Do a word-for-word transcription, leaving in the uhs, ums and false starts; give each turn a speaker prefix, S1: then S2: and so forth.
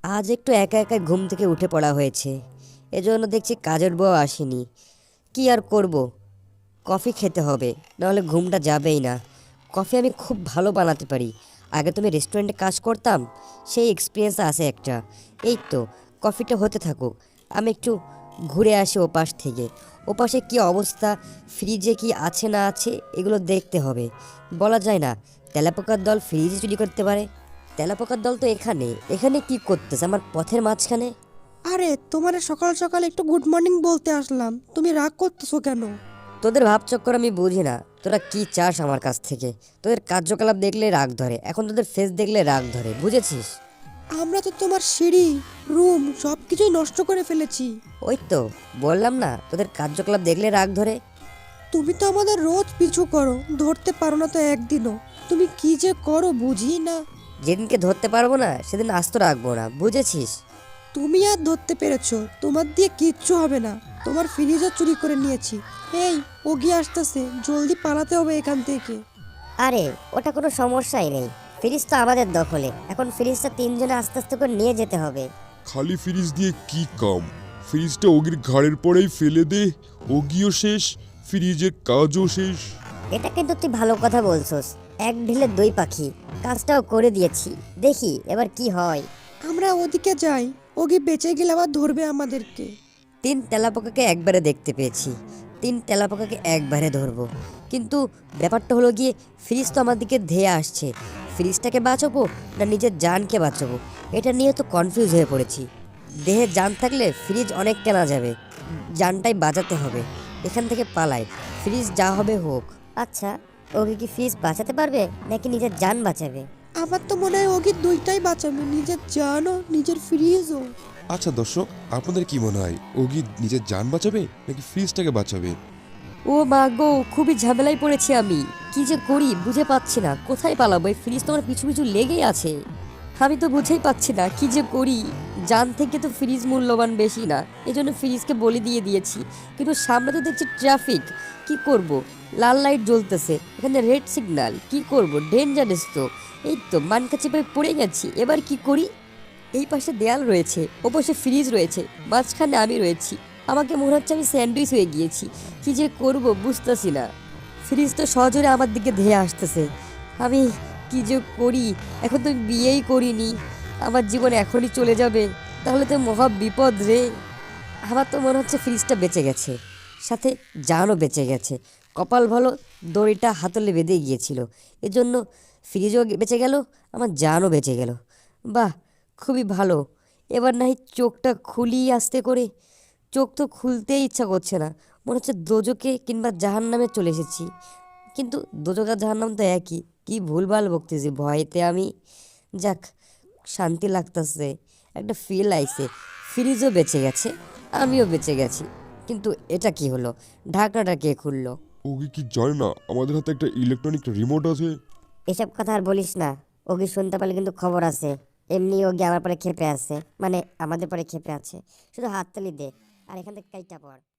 S1: আজ একটু একা একা ঘুম থেকে উঠে পড়া হয়েছে, এজন্য দেখছি কাজের বউ আসেনি। কি আর করব, কফি খেতে হবে, নাহলে ঘুমটা যাবেই না। কফি আমি খুব ভালো বানাতে পারি। আগে তুমি রেস্টুরেন্টে কাজ করতাম, সেই এক্সপিরিয়েন্স আছে একটা। এই তো, কফিটা হতে থাকুক, আমি একটু ঘুরে আসি ওপাশ থেকে। ওপাশে কি অবস্থা, ফ্রিজে কি আছে না আছে এগুলো দেখতে হবে। বলা যায় না তেলাপোকার দল ফ্রিজে চুরি করতে পারে। তেলাপোকার দল তো এখানে এখানে কি করতেছে আমার পথের মাঝখানে?
S2: আরে তোমারে সকাল সকাল একটু গুড মর্নিং বলতে আসলাম, তুমি রাগ করতেছো কেন?
S1: তোদের ভাবচক্কর আমি বুঝি না, তোরা কি চাস আমার কাছ থেকে? তোদের কার্যকলাপ দেখলে রাগ ধরে, এখন তোদের ফেস দেখলে রাগ ধরে, বুঝেছিস?
S2: আমরা তো তোমার সিঁড়ি, রুম সব কিছুই নষ্ট করে ফেলেছি।
S1: ওই তো বললাম না, তোদের কার্যকলাপ দেখলে রাগ ধরে।
S2: তুমি তো আমাদের রোজ পিছু করো, ধরতে পারো না তো একদিনও। তুমি কি যে করো বুঝি না।
S1: যেদিনকে ধরতে পারবো না সেদিন আস্ত রাখবো না, বুঝেছিস?
S2: তুমি আর ধরতে পেরেছো, তোমার দিয়ে কিচ্ছু হবে না। তোমার ফ্রিজও চুরি করে নিয়েছি। এই, ওগি আসতেছে, জলদি পালাতে হবে এখান থেকে।
S3: আরে ওটা কোনো সমস্যাই নেই, ফ্রিজ তো আমাদের দখলে, এখন ফ্রিজটা তিনজনে আস্তে আস্তে করে নিয়ে যেতে হবে।
S4: খালি ফ্রিজ দিয়ে কি কাম? ফ্রিজটা ওগির ঘাড়ের পরেই ফেলে দে, ওগিও শেষ, ফ্রিজের কাজও শেষ।
S3: এটা কিন্তু তুই ভালো কথা বলছস, এক ঢিলে দুই পাখি, কাজটাও করে দিয়েছি, দেখি এবার কি হয়।
S2: আমরা ওদিকে যাই, ওগি বেঁচে গেলে আবার ধরবে আমাদেরকে।
S1: তিন তেলাপোকাকে একবারে দেখতে পেয়েছি, তিন তেলাপোকাকে একবারে ধরবো। কিন্তু ব্যাপারটা হলো গিয়ে, ফ্রিজ তো আমার দিকে ধেয়ে আসছে। ফ্রিজটাকে বাঁচাবো না নিজের জানকে বাঁচাবো, এটা নিয়ে তো কনফিউজ হয়ে পড়েছি। দেহে জান থাকলে ফ্রিজ অনেক কেনা যাবে, জানটাই বাঁচাতে হবে। এখান থেকে পালাই, ফ্রিজ যা হবে হোক।
S3: আচ্ছা, ওকে কি ফ্রিজ বাঁচাতে পারবে নাকি নিজের জান বাঁচাবে?
S2: আমার তো মনে হয় ওগি দুইটাই বাঁচাবে, নিজের জানও নিজের ফ্রিজও।
S4: আচ্ছা দর্শক, আপনাদের কি মনে হয়, ওগি নিজের জান বাঁচাবে নাকি ফ্রিজটাকে বাঁচাবে?
S1: ও মা গো, খুবই ঝামেলায় পড়েছি আমি। কি যে করি বুঝে পাচ্ছি না, কোথায় পালাবো? এই ফ্রিজ তো আমার পিছু পিছু লেগেই আছে, আমি তো বুঝেই পাচ্ছি না কি যে করি। জান থেকে তো ফ্রিজ মূল্যবান বেশি না, এই জন্য ফ্রিজকে বলে দিয়ে দিয়েছি। কিন্তু সামনে তো দেখছি ট্রাফিক, কি করব? লাল লাইট জ্বলতেছে, এখানে রেড সিগন্যাল, কি করব? ডেঞ্জারাস তো। এই তো মানকা চেপে পড়ে গেছি, এবার কি করি? এই পাশে দেয়াল রয়েছে, ও পাশে ফ্রিজ রয়েছে, মাঝখানে আমি রয়েছি। আমাকে মনে হচ্ছে আমি স্যান্ডউইচ হয়ে গিয়েছি, কি যে করব বুঝতেছি না। ফ্রিজ তো সজোরে আমার দিকে ধেয়ে আসতেছে, আমি কি যে করি? এখন তো আমি বিয়েই করিনি, আমার জীবন এখনই চলে যাবে, তাহলে তো মহা বিপদ রে। আমার তো মনে হচ্ছে ফ্রিজটা বেঁচে গেছে, সাথে জানও বেঁচে গেছে। কপাল ভালো, দড়িটা হাতলে বেঁধে গিয়েছিল, এজন্য ফ্রিজও বেঁচে গেল, আমার জানও বেঁচে গেল। বাহ, খুবই ভালো। এবার নাই চোখটা খুলি আস্তে করে। চোখ তো খুলতেই ইচ্ছা করছে না, মনে হচ্ছে দোজকে কিংবা জাহান্নামে চলে এসেছি। কিন্তু দোজক আর জাহান্নাম তো একই, কি ভুলভাল বকতেছি ভয়েতে আমি। যাক, শান্তি লাগতেছে, একটা ফিল আইছে। ফ্রিজও বেঁচে গেছে, আমিও বেঁচে গেছি। কিন্তু এটা কি হলো? ঢাকনাটা কে খুললো?
S4: ওগি কি জানে না আমাদের হাতে একটা ইলেকট্রনিক রিমোট আছে?
S3: এসব কথা আর বলিস না, ওকে শুনতে পারলে কিন্তু খবর আছে। এমনি ওকে আমার পরে ক্ষেপে আছে, মানে আমাদের পরে ক্ষেপে আছে। শুধু হাততালি দে আর এখান থেকে কাইটা পড়।